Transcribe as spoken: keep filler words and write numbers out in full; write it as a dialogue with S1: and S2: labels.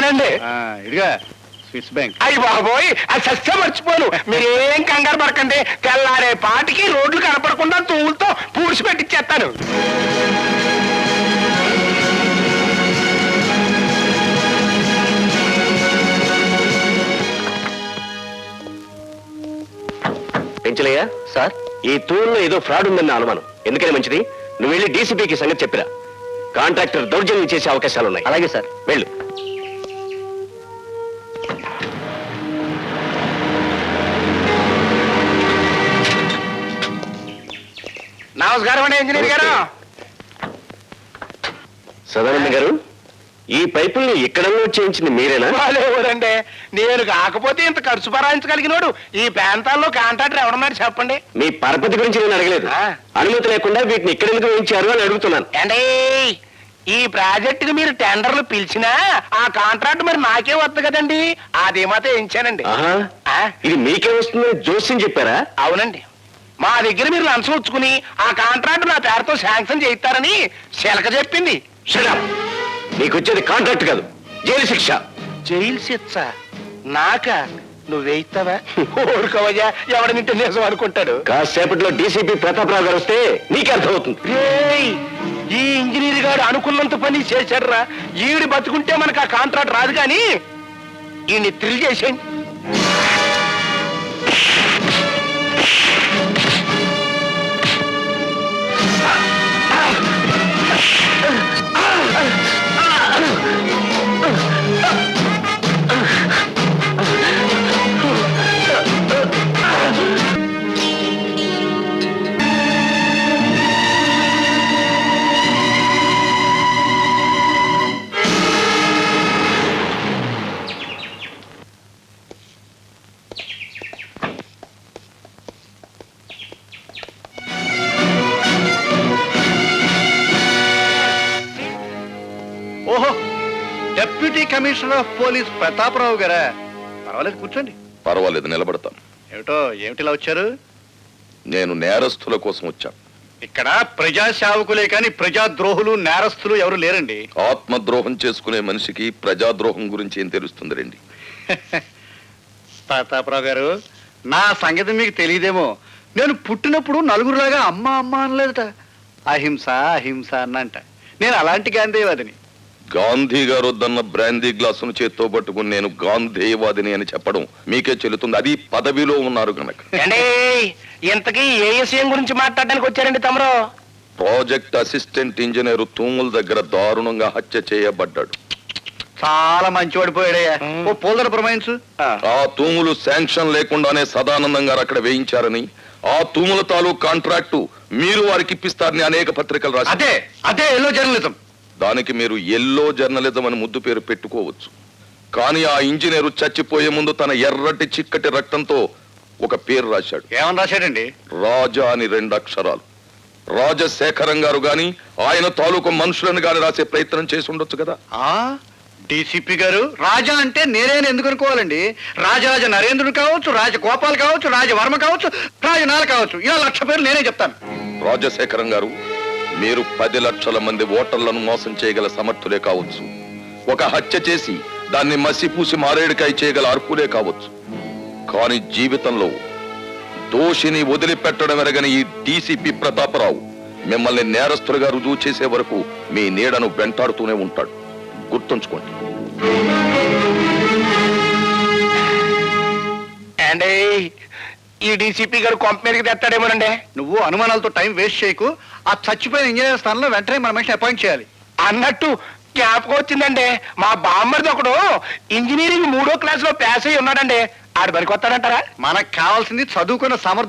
S1: అండి.
S2: ఇదిగా Swiss bank.
S1: అయ్యి బాబోయ్, అది సస్య మర్చిపోను. మీరేం కంగారు పడకండి, తెల్లారే పాటికి రోడ్లు కనపడకుండా తూలుతో పూడ్చి పెట్టిచ్చేస్తాను.
S3: పెంచలయ్యా సార్, ఈ తూరులో ఏదో ఫ్రాడ్ ఉందన్న అనుమానం. ఎందుకని మంచిది, నువ్వు వెళ్ళి డీసీపీకి సంగతి చెప్పిరా. కాంట్రాక్టర్ దౌర్జన్యం చేసే అవకాశాలున్నాయి. అలాగే సార్, వెళ్ళు.
S1: నమస్కారం అండి ఇంజనీర్ గారు.
S3: సదానంద గారు, ఈ పైపుల్ని ఎక్కడన్నా చేయించింది మీరేనా?
S1: వాళ్ళెవరండి, నేను కాకపోతే ఇంత ఖర్చు భరాయించగలిగినోడు ఈ ప్రాంతాల్లో కాంట్రాక్టర్ ఎవడన్నారు చెప్పండి.
S3: మీ పరపతి గురించి నేను అడగలేదు. అనుమతి లేకుండా వీటిని ఎక్కడెందుకు వేయించారు అని అడుగుతున్నాను.
S1: అండి, ఈ ప్రాజెక్టుకి మీరు టెండర్లు పిలిచినా ఆ కాంట్రాక్ట్ మరి నాకే వద్దు కదండి, అది మాత్రం వేయించానండి.
S3: ఇది మీకే వస్తుందని జోస్యం చెప్పారా?
S1: అవునండి, మా దగ్గర మీరు లంచం ఉంచుకుని ఆ కాంట్రాక్ట్ నా పేరుతో శాంక్షన్ చేయిస్తారని శిలక చెప్పింది.
S3: నీకు వచ్చేది కాంట్రాక్ట్ కాదు, జైలు శిక్ష.
S1: జైలు శిక్ష నాక? నువ్వేయిస్తావా? ఊరుకోవయ్యా, ఎవడనింటే నిజం అనుకుంటాడు.
S3: కాసేపట్లో డీసీపీ ప్రతాపరావు గారు వస్తే నీకే అర్థమవుతుంది.
S1: ఈ ఇంజనీర్ గారు అనుకున్నంత పని చేశాడురా. ఈవిడి బతుకుంటే మనకు ఆ కాంట్రాక్ట్ రాదు, కానీ ఈయన్ని థ్రిల్ చేసేయండి.
S2: ఓహో, deputy commissioner of police Prataparao గారా? పర్వాలేదు, కూర్చోండి.
S4: పర్వాలేదు, నిలబడతాను.
S2: ఏమిటో ఏమిటిలా వచ్చారు?
S4: నేను నేరస్తుల కోసం వచ్చాను.
S2: ఇక్కడ ప్రజా సేవకులే కానీ ప్రజాద్రోహులు నేరస్తులు ఎవరు లేరండి.
S4: ఆత్మద్రోహం చేసుకునే మనిషికి ప్రజాద్రోహం గురించి ఏం తెలుస్తుంది రండి.
S2: ప్రతాపరావు గారు, నా సంగతి మీకు తెలియదేమో. నేను పుట్టినప్పుడు నలుగురులాగా అమ్మ అమ్మ అనలేదట, అహింస అహింస అన్నంట. నేను అలాంటి గాంధీవాదిని.
S4: గాంధీ గారు వద్దన్న బ్రాందీ గ్లాసును చేత్తో పట్టుకుని నేను గాంధీవాదిని అని చెప్పడం మీకే చెల్లుతుంది, అది పదవిలో ఉన్నారు కనుక.
S1: ఇంతకీ ఏ విషయం గురించి మాట్లాడడానికి వచ్చారండి తమరు?
S4: ప్రాజెక్ట్ అసిస్టెంట్ ఇంజనీర్ తూముల దగ్గర దారుణంగా హత్య చేయబడ్డాడు.
S2: చాలా మంచివాడిపోయాడయ్యా. ఓ పోల్దర ప్రమాయించు.
S4: ఆ తూములు శాంక్షన్ లేకుండానే సదానందం గారు అక్కడ వేయించారని, ఆ తూముల తాలూకు కాంట్రాక్టు మీరు వారికి ఇప్పిస్తారని అనేక పత్రికలు రాశారు.
S2: అదే అదే ఎల్లో జర్నలిజం.
S4: దానికి మీరు ఎల్లో జర్నలిజం అని ముద్దు పేరు పెట్టుకోవచ్చు, కానీ ఆ ఇంజనీరు చచ్చిపోయే ముందు తన ఎర్రటి చిక్కటి రక్తంతో ఒక పేరు రాశాడు.
S2: ఏమని రాశాడండి?
S4: రాజా అని రెండు అక్షరాలు. రాజశేఖరం గారు గాని ఆయన తాలూకు మనుషులను గాని రాసే ప్రయత్నం చేసి ఉండొచ్చు కదా.
S2: ఆ డీసీపీ గారు, రాజా అంటే నేనేని ఎందుకు అనుకోవాలండి? రాజరాజ నరేంద్రుడు కావచ్చు, రాజగోపాల్ కావచ్చు, రాజవర్మ కావచ్చు, రాజనాల కావచ్చు, ఇలా లక్ష పేర్లు నేనే చెప్తాను.
S4: రాజశేఖరం గారు, మీరు పది లక్షల మంది ఓటర్లను మోసం చేయగల సమర్థులే కావచ్చు, ఒక హత్య చేసి దాన్ని మసిపూసి మారేడుకాయ చేయగల అర్హులే కావచ్చు, కానీ జీవితంలో దోషిని వదిలిపెట్టడం ఎరగని ఈ డీసీపీ ప్రతాపరావు మిమ్మల్ని నేరస్తులుగా రుజువు చేసే వరకు మీ నీడను వెంటాడుతూనే ఉంటాడు. గుర్తుంచుకోండి.
S1: అండి, ఈ డీసీపీ గారు కొంప మీదకి తెస్తాడేమోనండి.
S2: నువ్వు అనుమానాలతో టైం వేస్ట్ చేయకు. ఆ చచ్చిపోయిన ఇంజనీర్ స్థానంలో వెంటనే మన మనిషిని అపాయింట్ చేయాలి.
S1: అన్నట్టు జ్ఞాపకం వచ్చిందండి, మా బామ్మర్ది ఒకడు ఇంజనీరింగ్ మూడో క్లాస్ లో పాస్ అయ్యి ఉన్నాడండి. ఆడు పనికి వస్తాడంటారా?
S2: మనకు కావాల్సింది చదువుకున్న సమర్థ